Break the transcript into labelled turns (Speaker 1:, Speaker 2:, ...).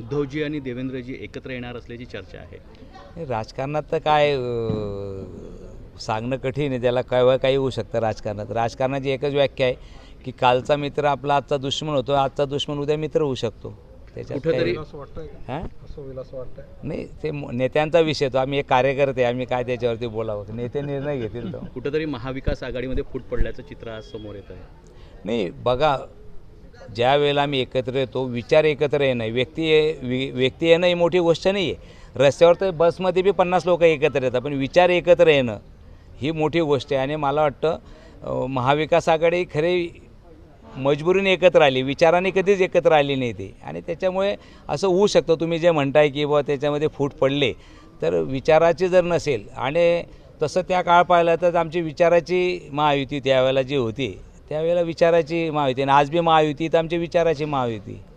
Speaker 1: उद्धवजी आणि देवेंद्रजी एकत्र येणार असल्याची चर्चा आहे.
Speaker 2: राजकारणात तर काय सांगणं कठीण आहे, त्याला केव्हा काही होऊ शकतं राजकारणात. राजकारणाची एकच व्याख्या आहे की कालचा मित्र आपला आजचा दुश्मन होतो, आजचा दुश्मन उद्या मित्र होऊ शकतो. त्याच्यात
Speaker 1: कुठेतरी
Speaker 2: हां नाही, ते नेत्यांचा विषय तो. आम्ही एक कार्यकर्ते, आम्ही काय त्याच्यावरती बोलावं, नेते निर्णय घेतील. तो
Speaker 1: कुठेतरी महाविकास आघाडीमध्ये फूट पडल्याचं चित्र आज समोर येत आहे.
Speaker 2: नाही बघा, ज्या वेळेला आम्ही एकत्र येतो, विचार एकत्र येणं, व्यक्ती येणं ही मोठी गोष्ट नाही आहे. रस्त्यावर तर बसमध्ये बी 50 लोक एकत्र येतात, पण विचार एकत्र येणं ही मोठी गोष्ट आहे. आणि मला वाटतं महाविकास आघाडी खरी मजबुरीने एकत्र आली, विचाराने कधीच एकत्र आली नाही ती. आणि त्याच्यामुळे असं होऊ शकतं, तुम्ही जे म्हणताय की बुवा त्याच्यामध्ये फूट पडले, तर विचाराची जर नसेल, आणि तसं त्या काळ पाहिला तर आमची विचाराची महायुती त्यावेळेला जी होती, त्यावेळेला विचाराची महायुती, आणि आज बी महायुती तर आमची विचाराची महायुती.